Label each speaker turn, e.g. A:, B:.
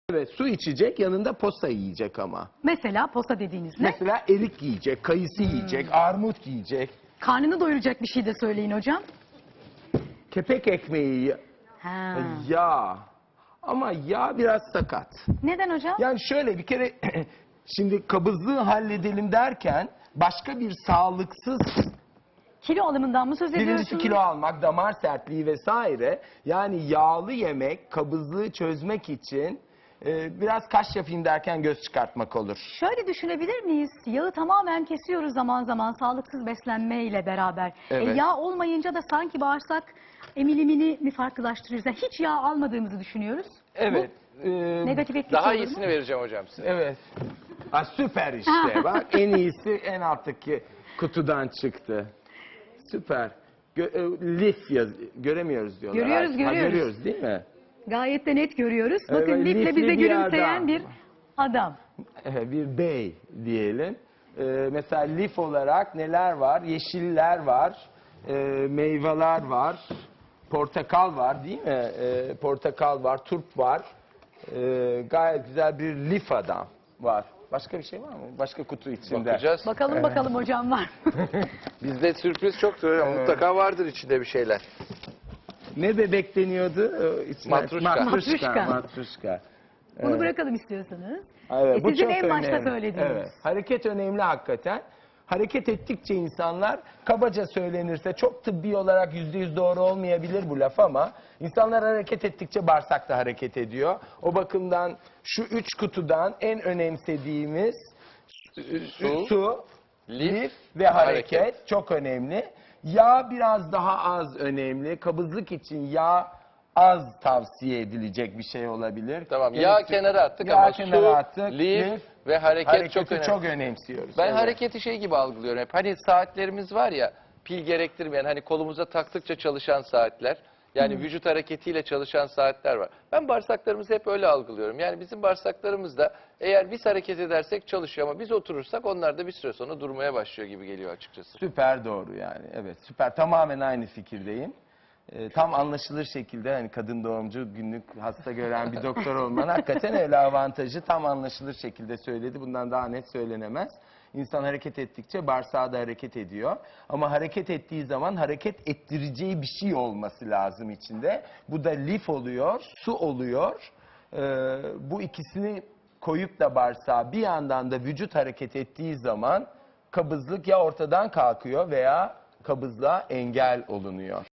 A: Evet, su içecek, yanında posta yiyecek ama.
B: Mesela posta dediğiniz ne?
A: Mesela erik yiyecek, kayısı yiyecek, armut yiyecek.
B: Karnını doyuracak bir şey de söyleyin hocam.
A: Kepek ekmeği,
B: Ha.
A: yağ. Ama yağ biraz sakat.
B: Neden hocam?
A: Yani şöyle bir kere şimdi kabızlığı halledelim derken başka bir sağlıksız
B: Kilo alımından mı söz ediyorsunuz?
A: birincisi kilo almak, damar sertliği vesaire. Yani yağlı yemek kabızlığı çözmek için biraz kaş yapayım derken göz çıkartmak olur.
B: Şöyle düşünebilir miyiz? Yağı tamamen kesiyoruz zaman zaman sağlıksız beslenmeyle beraber.
A: Evet.
B: Yağ olmayınca da sanki bağırsak emilimini mi farklılaştırıyoruz? Yani hiç yağ almadığımızı düşünüyoruz.
A: Evet.
B: Negatif etkisi
C: Daha
B: olur mu?
C: iyisini vereceğim hocam size.
A: Evet. Ha, süper işte. Bak en iyisi en alttaki kutudan çıktı. Süper. Lif göremiyoruz diyorlar.
B: Görüyoruz,
A: Ha,
B: görüyoruz.
A: görüyoruz değil mi?
B: Gayet de net görüyoruz.
A: Evet,
B: Bakın lifle
A: lifli
B: bize
A: bir
B: gülümseyen
A: adam.
B: bir adam.
A: Bir bey diyelim. Mesela lif olarak neler var? Yeşiller var. Meyveler var. Portakal var değil mi? Portakal var, turp var. Gayet güzel bir lif adam var. Başka bir şey var mı? Başka kutu içinde.
C: Bakacağız.
B: Bakalım bakalım hocam var mı?
C: Bizde sürpriz çoktur hocam. Mutlaka vardır içinde bir şeyler.
A: Ne bebek deniyordu?
C: Matruşka.
B: Matruşka.
A: Matruşka.
B: Bunu bırakalım istiyorsanız.
A: Evet, bu
B: Sizin
A: çok
B: en başta
A: önemli.
B: söylediğiniz.
A: Evet, hareket önemli hakikaten. Hareket ettikçe insanlar, kabaca söylenirse çok tıbbi olarak %100 doğru olmayabilir bu laf ama insanlar hareket ettikçe bağırsak da hareket ediyor. O bakımdan şu 3 kutudan en önemsediğimiz su, lif ve hareket çok önemli. Yağ biraz daha az önemli. Kabızlık için yağ az tavsiye edilecek bir şey olabilir.
C: Tamam. Yağ
A: Gerekli-
C: kenara attık
A: Yağ
C: ama
A: kenara
C: su,
A: attık,
C: lif ve hareket
A: hareketi
C: çok önemli.
A: çok önemsiyoruz.
C: Ben
A: Evet.
C: hareketi şey gibi algılıyorum hep. Hani saatlerimiz var ya, pil gerektirmeyen, hani kolumuza taktıkça çalışan saatler. Yani vücut hareketiyle çalışan saatler var. Ben bağırsaklarımızı hep öyle algılıyorum. Yani bizim bağırsaklarımız da eğer biz hareket edersek çalışıyor ama biz oturursak onlar da bir süre sonra durmaya başlıyor gibi geliyor açıkçası.
A: Süper doğru yani. Evet süper. Tamamen aynı fikirdeyim. Tam anlaşılır şekilde hani kadın doğumcu günlük hasta gören bir doktor olman hakikaten öyle avantajı tam anlaşılır şekilde söyledi. Bundan daha net söylenemez. İnsan hareket ettikçe bağırsağı da hareket ediyor. Ama hareket ettiği zaman hareket ettireceği bir şey olması lazım içinde. Bu da lif oluyor, su oluyor. Bu ikisini koyup da bağırsağı bir yandan da vücut hareket ettiği zaman kabızlık ya ortadan kalkıyor veya kabızlığa engel olunuyor.